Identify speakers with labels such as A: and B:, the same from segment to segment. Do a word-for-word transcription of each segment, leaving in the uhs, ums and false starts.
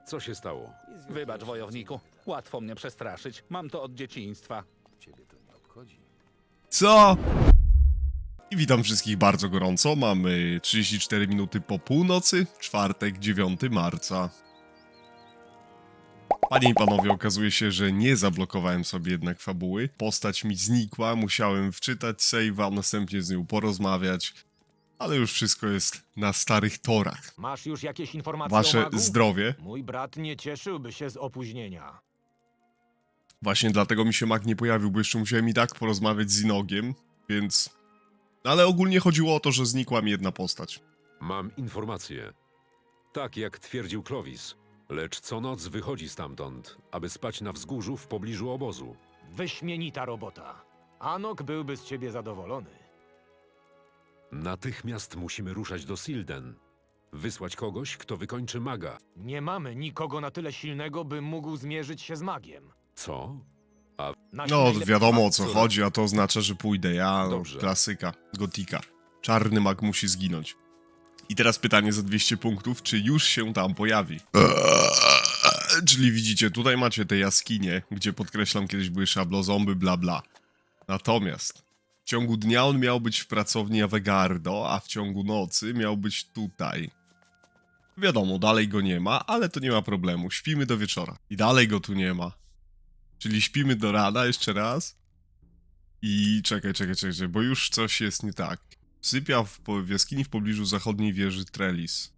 A: Co się stało?
B: Wybacz, wojowniku. Łatwo mnie przestraszyć. Mam to od dzieciństwa.
A: Ciebie to nie obchodzi.
C: Co? I witam wszystkich bardzo gorąco. Mamy trzydzieści cztery minuty po północy, czwartek, dziewiątego marca. Panie i panowie, okazuje się, że nie zablokowałem sobie jednak fabuły. Postać mi znikła, musiałem wczytać save'a, następnie z nią porozmawiać. Ale już wszystko jest na starych torach.
D: Masz już jakieś informacje
C: Wasze
D: o magu?
C: zdrowie.
D: Mój brat nie cieszyłby się z opóźnienia.
C: Właśnie dlatego mi się mag nie pojawił, bo jeszcze musiałem i tak porozmawiać z Inogiem, więc... Ale ogólnie chodziło o to, że znikła mi jedna postać.
A: Mam informację. Tak jak twierdził Clovis, lecz co noc wychodzi stamtąd, aby spać na wzgórzu w pobliżu obozu.
D: Wyśmienita robota. Anok byłby z ciebie zadowolony.
A: Natychmiast musimy ruszać do Silden. Wysłać kogoś, kto wykończy maga.
D: Nie mamy nikogo na tyle silnego, by mógł zmierzyć się z magiem.
A: Co?
D: Nasi
C: No,
D: najlepsi
C: wiadomo o co
D: władcy-
C: chodzi, a to oznacza, że pójdę ja, no,
A: Dobrze.
C: klasyka, gotika. Czarny mag musi zginąć. I teraz pytanie za dwieście punktów, czy już się tam pojawi? Eee, czyli widzicie, tutaj macie te jaskinie, gdzie podkreślam, kiedyś były szablozomby, bla bla. Natomiast w ciągu dnia on miał być w pracowni Avegardo, a w ciągu nocy miał być tutaj. Wiadomo, dalej go nie ma, ale to nie ma problemu, śpimy do wieczora. I dalej go tu nie ma. Czyli śpimy do rana jeszcze raz. I czekaj, czekaj, czekaj, czekaj, bo już coś jest nie tak. Sypia w, po- w jaskini w pobliżu zachodniej wieży Trellis.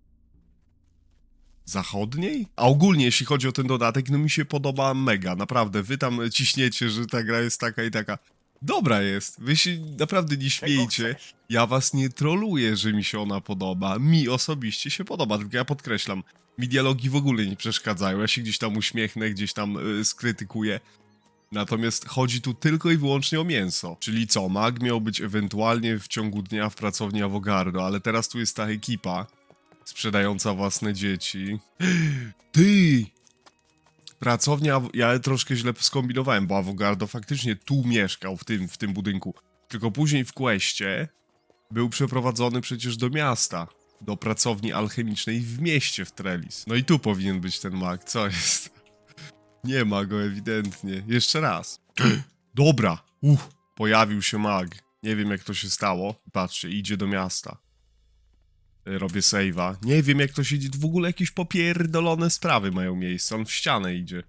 C: Zachodniej? A ogólnie, jeśli chodzi o ten dodatek, no mi się podoba mega, naprawdę. Wy tam ciśniecie, że ta gra jest taka i taka. Dobra jest, wy się naprawdę nie śmiejcie. Ja was nie troluję, że mi się ona podoba. Mi osobiście się podoba, tylko ja podkreślam. Mi dialogi w ogóle nie przeszkadzają, ja się gdzieś tam uśmiechnę, gdzieś tam yy, skrytykuję. Natomiast chodzi tu tylko i wyłącznie o mięso. Czyli co, mag miał być ewentualnie w ciągu dnia w pracowni Avogardo, ale teraz tu jest ta ekipa sprzedająca własne dzieci. Ty! Pracownia, ja troszkę źle skombinowałem, bo Avogardo faktycznie tu mieszkał, w tym, w tym budynku. Tylko później w Questie był przeprowadzony przecież do miasta. Do pracowni alchemicznej w mieście w Trellis. No i tu powinien być ten mag, co jest? Nie ma go ewidentnie. Jeszcze raz. Dobra. Uff, pojawił się mag. Nie wiem jak to się stało. Patrzcie, idzie do miasta. Y, Robię save'a. Nie wiem jak to się dzieje. W ogóle jakieś popierdolone sprawy mają miejsce. On w ścianę idzie.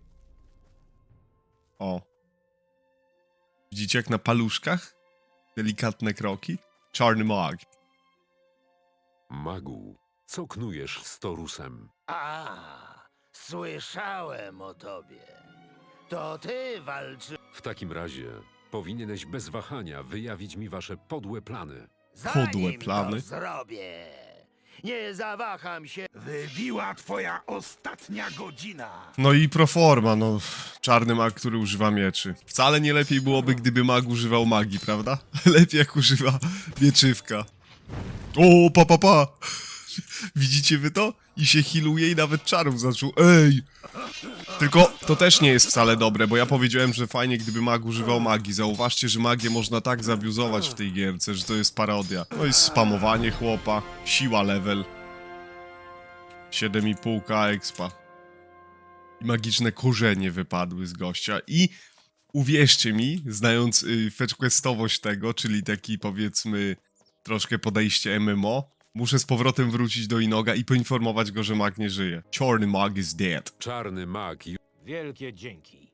C: O. Widzicie jak na paluszkach? Delikatne kroki. Czarny mag.
A: Magu, co knujesz z Torusem?
E: A, słyszałem o tobie. To ty walczy.
A: W takim razie powinieneś bez wahania wyjawić mi wasze podłe plany.
E: Zanim
C: Podłe plany.
E: to zrobię. Nie zawaham się.
F: Wybiła twoja ostatnia godzina.
C: No i proforma, no. Czarny mag, który używa mieczy. Wcale nie lepiej byłoby, gdyby mag używał magii, prawda? Lepiej jak używa mieczywka. O, pa, pa, pa! Widzicie wy to? I się healuje i nawet czarów zaczął. Ej! Tylko to też nie jest wcale dobre, bo ja powiedziałem, że fajnie gdyby mag używał magii. Zauważcie, że magię można tak zabiuzować w tej gierce, że to jest parodia. No i spamowanie chłopa, siła level. siedem i pół k expa. I magiczne korzenie wypadły z gościa. I uwierzcie mi, znając y, fetchquestowość tego, czyli taki powiedzmy troszkę podejście M M O, muszę z powrotem wrócić do Inoga i poinformować go, że mag nie żyje. Czarny mag is dead.
A: Czarny mag ju-
D: Wielkie dzięki.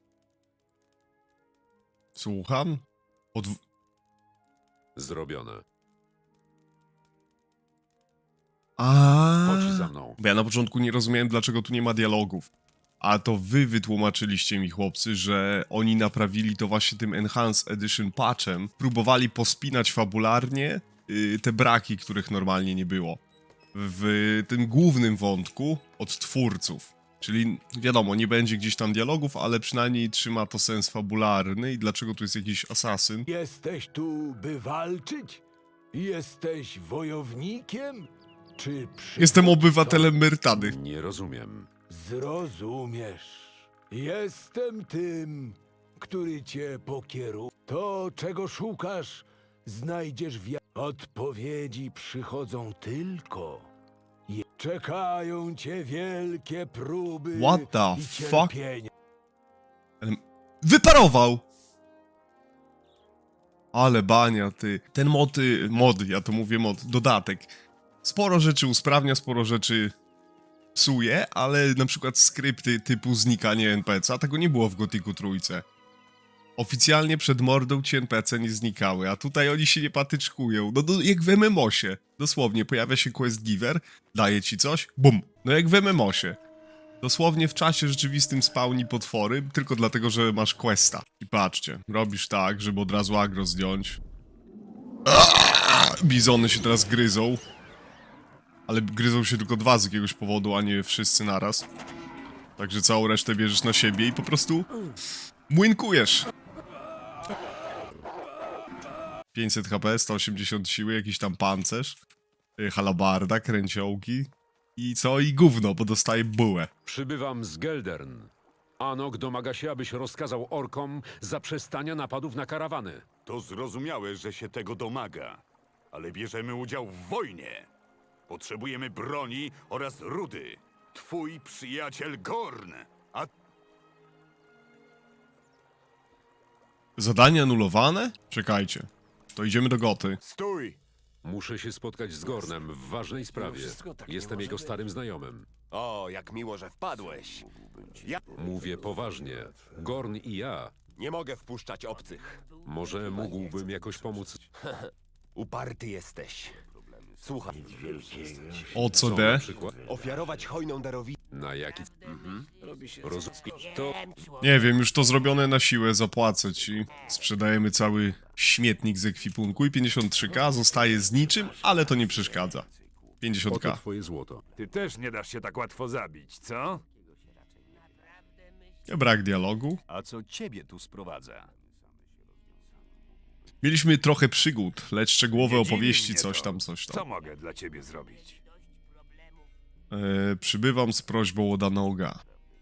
C: Słucham? Od...
A: zrobione.
C: A.
A: Chodź za mną.
C: Bo ja na początku nie rozumiałem, dlaczego tu nie ma dialogów. A to wy wytłumaczyliście mi, chłopcy, że oni naprawili to właśnie tym Enhanced Edition patchem. Próbowali pospinać fabularnie yy, te braki, których normalnie nie było. W tym głównym wątku od twórców. Czyli wiadomo, nie będzie gdzieś tam dialogów, ale przynajmniej trzyma to sens fabularny. I dlaczego tu jest jakiś asasyn?
G: Jesteś tu, by walczyć? Jesteś wojownikiem? Czy przy...
C: Jestem obywatelem Myrtany.
A: Nie rozumiem.
G: Zrozumiesz. Jestem tym, który cię pokieruje. To, czego szukasz, znajdziesz w... ja- Odpowiedzi przychodzą tylko... Je... Czekają cię wielkie próby
C: What the
G: i
C: fuck?
G: cierpienie.
C: Wyparował! Ale bania, ty. Ten mod, y, mod, ja to mówię mod, dodatek. Sporo rzeczy usprawnia, sporo rzeczy psuje, ale na przykład skrypty typu znikanie N P C, a tego nie było w Gothicu trójce. Oficjalnie przed mordą ci N P C nie znikały, a tutaj oni się nie patyczkują. No, no jak w M M O sie. Dosłownie, pojawia się quest giver, daje ci coś, bum. No jak w M M O sie. Dosłownie w czasie rzeczywistym spawni potwory, tylko dlatego, że masz questa. I patrzcie, robisz tak, żeby od razu agro zdjąć. Aaaa! Bizony się teraz gryzą. Ale gryzą się tylko dwa z jakiegoś powodu, a nie wszyscy naraz. Także całą resztę bierzesz na siebie i po prostu młynkujesz. pięćset H P, sto osiemdziesiąt siły, jakiś tam pancerz. y, Halabarda, kręciołki. I co? I gówno, bo dostaje bułę.
A: Przybywam z Geldern. Anok domaga się, abyś rozkazał orkom zaprzestania napadów na karawany.
F: To zrozumiałe, że się tego domaga. Ale bierzemy udział w wojnie. Potrzebujemy broni oraz rudy. Twój przyjaciel Gorn. A
C: Zadanie anulowane? Czekajcie. To idziemy do Goty.
F: stój!
A: Muszę się spotkać z Gornem w ważnej sprawie. Jestem jego starym znajomym.
H: O, jak miło, że wpadłeś. Ja
A: Mówię poważnie. Gorn i ja.
H: nie mogę wpuszczać obcych.
A: Może mógłbym jakoś pomóc.
H: Uparty jesteś. Słuchaj,
C: O co
A: Co
C: D?
A: na przykład?
H: ofiarować hojną darowizną.
A: Na jaki... Roz... To...
C: Nie wiem, już to zrobione na siłę, zapłacę ci. Sprzedajemy cały śmietnik z ekwipunku i pięćdziesiąt trzy K zostaje z niczym, ale to nie przeszkadza. pięćdziesiąt
A: Oto
C: K.
A: twoje złoto.
F: Ty też nie dasz się tak łatwo zabić, co?
C: Brak dialogu.
F: A co ciebie tu sprowadza?
C: Mieliśmy trochę przygód, lecz szczegółowe
F: Nie dziwi
C: opowieści,
F: mnie
C: coś
F: to.
C: tam, coś
F: Co
C: tam.
F: mogę dla ciebie zrobić?
C: E, przybywam z prośbą o Danoga.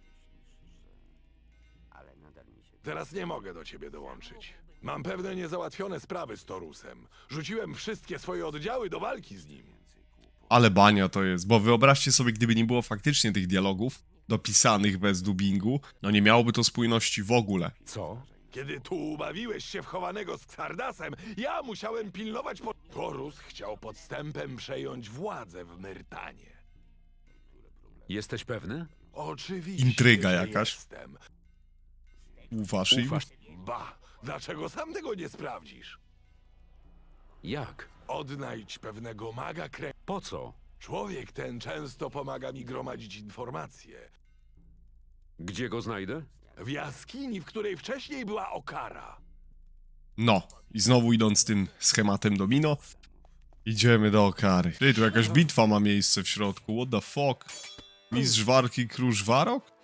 I: Teraz nie mogę do ciebie dołączyć. Mam pewne niezałatwione sprawy z Torusem. Rzuciłem wszystkie swoje oddziały do walki z nim.
C: Ale bania to jest, bo wyobraźcie sobie, gdyby nie było faktycznie tych dialogów, dopisanych bez dubbingu, no nie miałoby to spójności w ogóle.
A: Co?
I: Kiedy tu ubawiłeś się w chowanego z Xardasem, ja musiałem pilnować po... Torus chciał podstępem przejąć władzę w Myrtanie.
A: Jesteś pewny?
I: Oczywiście,
C: Intryga
I: że
C: jakaś.
I: Jestem.
C: Ufasz im?
A: Ufasz?
I: Ba, dlaczego sam tego nie sprawdzisz?
A: Jak?
I: Odnajdź pewnego maga krę...
A: Po co?
I: Człowiek ten często pomaga mi gromadzić informacje.
A: Gdzie go znajdę?
I: W jaskini, w której wcześniej była Okara.
C: No, i znowu idąc tym schematem domino, idziemy do Okary. Ty, tu jakaś bitwa ma miejsce w środku, what the fuck? Mistrz walki Krusz Warok?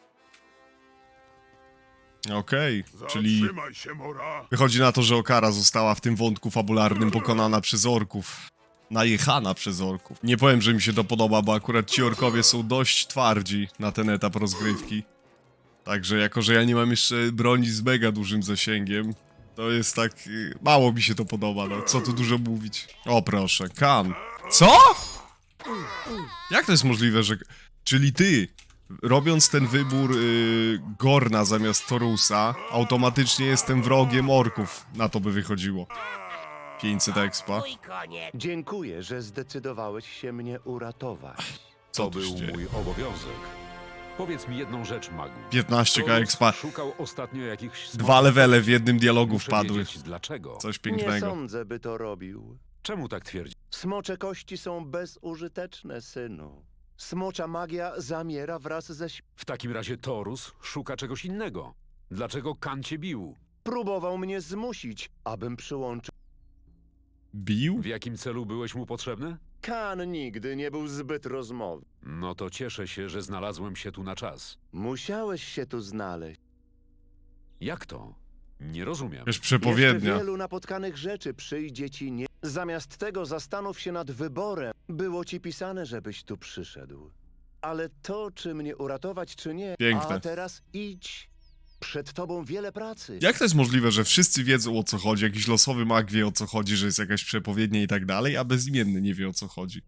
C: Okej, czyli
F: Zatrzymaj się, Mora!
C: wychodzi na to, że Okara została w tym wątku fabularnym pokonana przez orków. Najechana przez orków. Nie powiem, że mi się to podoba, bo akurat ci orkowie są dość twardzi na ten etap rozgrywki. Także jako, że ja nie mam jeszcze broni z mega dużym zasięgiem, to jest tak... y, mało mi się to podoba, no. Co tu dużo mówić. O proszę, Kan. Co?! Jak to jest możliwe, że... Czyli ty, robiąc ten wybór y, Gorna zamiast Torusa, automatycznie jestem wrogiem orków. Na to by wychodziło. pięćset expa.
E: Dziękuję, że zdecydowałeś się mnie uratować.
C: Co
A: To
C: tu
A: był
C: się dzieje?
A: mój obowiązek. Powiedz mi jedną rzecz, magu.
C: piętnaście K
A: Torus
C: expa.
A: szukał ostatnio jakichś...
C: Dwa levele w jednym dialogu
A: Muszę
C: wpadły.
A: wiedzieć, dlaczego?
C: Coś
E: Nie
C: pięknego.
E: sądzę, by to robił.
A: Czemu tak twierdzi?
E: Smocze kości są bezużyteczne, synu. Smocza magia zamiera wraz ze... śp-
A: W takim razie Torus szuka czegoś innego. Dlaczego Kan cię bił?
E: Próbował mnie zmusić, abym przyłączył...
C: Bił?
A: W jakim celu byłeś mu potrzebny?
E: Kan nigdy nie był zbyt rozmowny.
A: No to cieszę się, że znalazłem się tu na czas.
E: Musiałeś się tu znaleźć.
A: Jak to? Nie rozumiem.
C: Wiesz,
E: Jeszcze
C: przepowiednia.
E: wielu napotkanych rzeczy przyjdzie ci nie... Zamiast tego zastanów się nad wyborem. Było ci pisane, żebyś tu przyszedł. Ale to, czy mnie uratować, czy nie...
C: Piękne.
E: A teraz idź. Przed tobą wiele pracy.
C: Jak to jest możliwe, że wszyscy wiedzą o co chodzi, jakiś losowy mag wie o co chodzi, że jest jakaś przepowiednia i tak dalej, a bezimienny nie wie o co chodzi?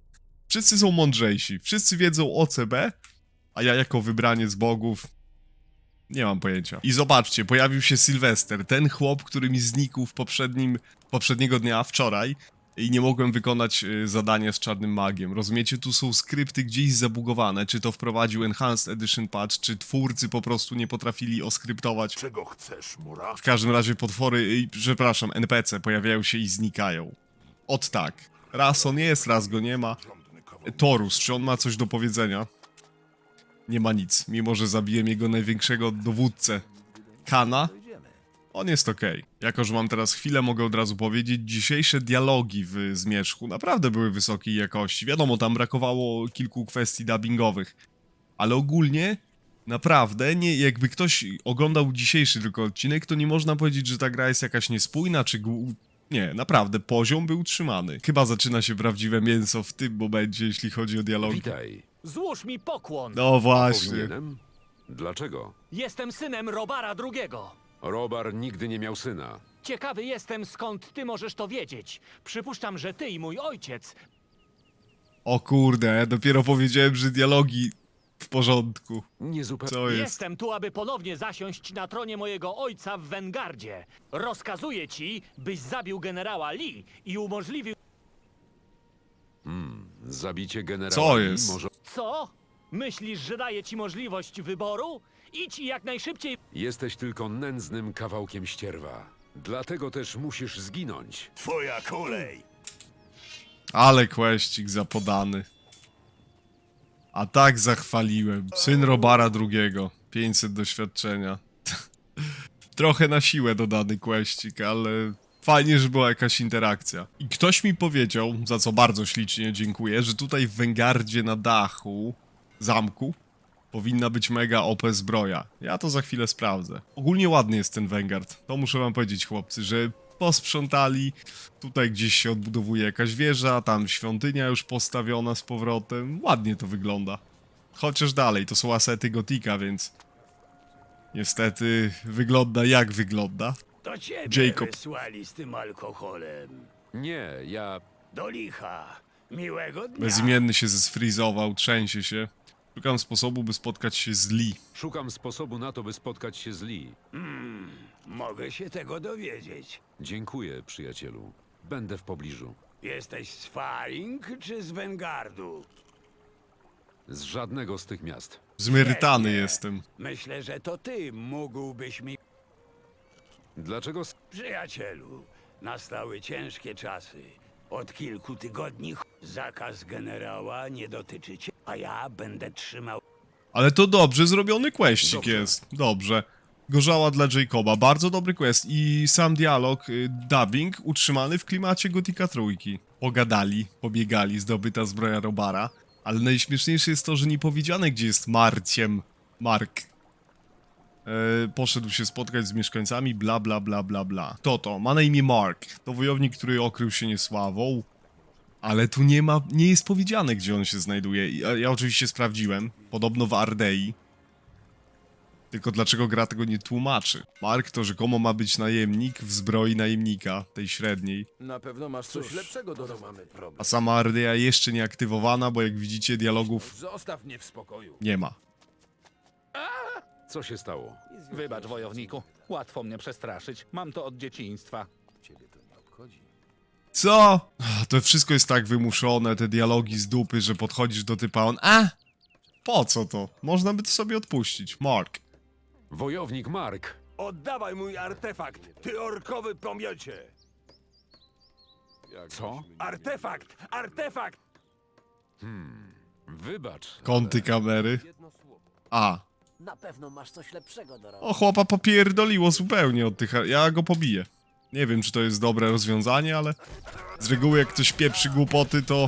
C: Wszyscy są mądrzejsi, wszyscy wiedzą o C B, a ja jako wybraniec bogów nie mam pojęcia. I zobaczcie, pojawił się Sylwester, ten chłop, który mi znikł w poprzednim, poprzedniego dnia, wczoraj, i nie mogłem wykonać y, zadania z czarnym magiem. Rozumiecie, tu są skrypty gdzieś zabugowane, czy to wprowadził Enhanced Edition Patch, czy twórcy po prostu nie potrafili oskryptować.
I: Czego chcesz, Mura?
C: W każdym razie potwory, y, przepraszam, N P C pojawiają się i znikają. Ot tak. Raz on jest, raz go nie ma. Torus, czy on ma coś do powiedzenia? Nie ma nic, mimo że zabiłem jego największego dowódcę. Kana? On jest okej. Jako, że mam teraz chwilę, mogę od razu powiedzieć, dzisiejsze dialogi w Zmierzchu naprawdę były wysokiej jakości. Wiadomo, tam brakowało kilku kwestii dubbingowych. Ale ogólnie, naprawdę, nie, jakby ktoś oglądał dzisiejszy tylko odcinek, to nie można powiedzieć, że ta gra jest jakaś niespójna, czy... Gł... Nie, naprawdę, poziom był utrzymany. Chyba zaczyna się prawdziwe mięso w tym momencie, jeśli chodzi o dialogi.
A: Witaj.
J: Złóż mi pokłon.
C: No właśnie.
A: Powinienem? Dlaczego?
J: Jestem synem Robara drugiego.
A: Robar nigdy nie miał syna.
J: Ciekawy jestem, skąd ty możesz to wiedzieć. Przypuszczam, że ty i mój ojciec...
C: O kurde, dopiero powiedziałem, że dialogi w porządku.
A: Nie zupełnie.
C: Co jest?
J: Jestem tu, aby ponownie zasiąść na tronie mojego ojca w Wengardzie. Rozkazuję ci, byś zabił generała Lee i umożliwił...
A: Zabicie generała
C: Co
A: Lee
C: jest?
A: może...
J: Co? Myślisz, że daję ci możliwość wyboru? Idź i jak najszybciej...
A: Jesteś tylko nędznym kawałkiem ścierwa. Dlatego też musisz zginąć.
I: Twoja kolej!
C: Ale kłeścik zapodany. A tak zachwaliłem. Syn Robara drugiego. pięćset doświadczenia. Trochę na siłę dodany kłeścik, ale fajnie, że była jakaś interakcja. I ktoś mi powiedział, za co bardzo ślicznie dziękuję, że tutaj w Wengardzie na dachu zamku powinna być mega O P zbroja. Ja to za chwilę sprawdzę. Ogólnie ładny jest ten Vanguard. To muszę wam powiedzieć, chłopcy, że posprzątali. Tutaj gdzieś się odbudowuje jakaś wieża, tam świątynia już postawiona z powrotem. Ładnie to wygląda. Chociaż dalej, to są asety Gotika, więc... Niestety wygląda jak wygląda.
G: To ciebie
C: Jacob.
G: wysłali z tym alkoholem.
A: Nie, ja...
G: Do licha. Miłego dnia.
C: Bezimienny się zesfrizował, trzęsie się. Szukam sposobu, by spotkać się z Lee.
A: Szukam sposobu na to, by spotkać się z Lee.
G: Mogę się tego dowiedzieć.
A: Dziękuję, przyjacielu. Będę w pobliżu.
G: Jesteś z Faring czy z Wengardu?
A: Z żadnego z tych miast.
C: Zmyrtany
G: Świetnie.
C: jestem.
G: Myślę, że to ty mógłbyś mi...
A: Dlaczego... s-
G: Przyjacielu, nastały ciężkie czasy. Od kilku tygodni ch- zakaz generała nie dotyczy cię, a ja będę trzymał...
C: Ale to dobrze zrobiony questik
A: Dobrze.
C: jest. Dobrze. Gorzała dla Jacoba. Bardzo dobry quest. I sam dialog, y, dubbing utrzymany w klimacie Gotika trójki. Pogadali, pobiegali, zdobyta zbroja Robara. Ale najśmieszniejsze jest to, że nie powiedziane, gdzie jest Marciem. Mark. E, poszedł się spotkać z mieszkańcami, bla bla bla bla bla. To to, ma na imię Mark. To wojownik, który okrył się niesławą. Ale tu nie ma, nie jest powiedziane, gdzie on się znajduje. Ja, ja oczywiście sprawdziłem. Podobno w Ardei. Tylko dlaczego gra tego nie tłumaczy? Mark to rzekomo ma być najemnik w zbroi najemnika, tej średniej.
H: Na pewno masz coś lepszego do roboty. Mamy problem.
C: A sama Ardea jeszcze nie aktywowana, bo jak widzicie dialogów
H: Zostaw mnie w spokoju.
C: nie ma.
A: Co się stało?
B: Wybacz, wojowniku. Łatwo mnie przestraszyć. Mam to od dzieciństwa.
C: Co? Ach, to wszystko jest tak wymuszone, te dialogi z dupy, że podchodzisz do typa, on... A! Po co to? Można by to sobie odpuścić. Mark.
A: Wojownik Mark.
I: Oddawaj mój artefakt, ty orkowy pomiocie!
A: Co?
I: Artefakt! Artefakt!
A: Wybacz.
C: Kąty kamery. A.
J: Na pewno masz coś lepszego do roboty.
C: O, chłopa popierdoliło zupełnie od tych... Ja go pobiję. Nie wiem, czy to jest dobre rozwiązanie, ale... Z reguły jak ktoś pieprzy głupoty, to...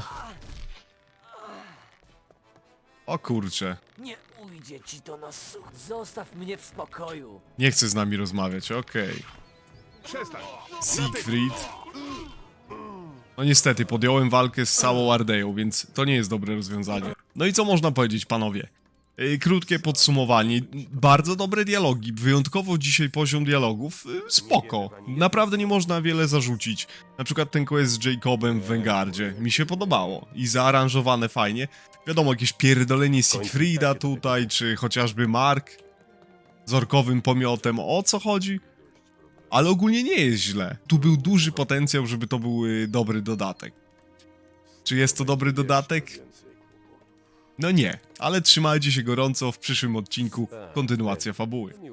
C: O kurcze.
J: Nie ujdzie ci to na such. Zostaw mnie w spokoju.
C: Nie chce z nami rozmawiać, okej.
I: Przestań!
C: Siegfried. No niestety, podjąłem walkę z całą Ardeją, więc to nie jest dobre rozwiązanie. No i co można powiedzieć, panowie? Yy, krótkie podsumowanie. Bardzo dobre dialogi. Wyjątkowo dzisiaj poziom dialogów. Yy, spoko. Naprawdę nie można wiele zarzucić. Na przykład ten quest z Jacobem w Vanguardzie. Mi się podobało. I zaaranżowane fajnie. Wiadomo, jakieś pierdolenie Siegfrieda tutaj, czy chociażby Mark z orkowym pomiotem. O co chodzi? Ale ogólnie nie jest źle. Tu był duży potencjał, żeby to był yy, dobry dodatek. Czy jest to dobry dodatek? No nie, ale trzymajcie się gorąco, w przyszłym odcinku kontynuacja fabuły.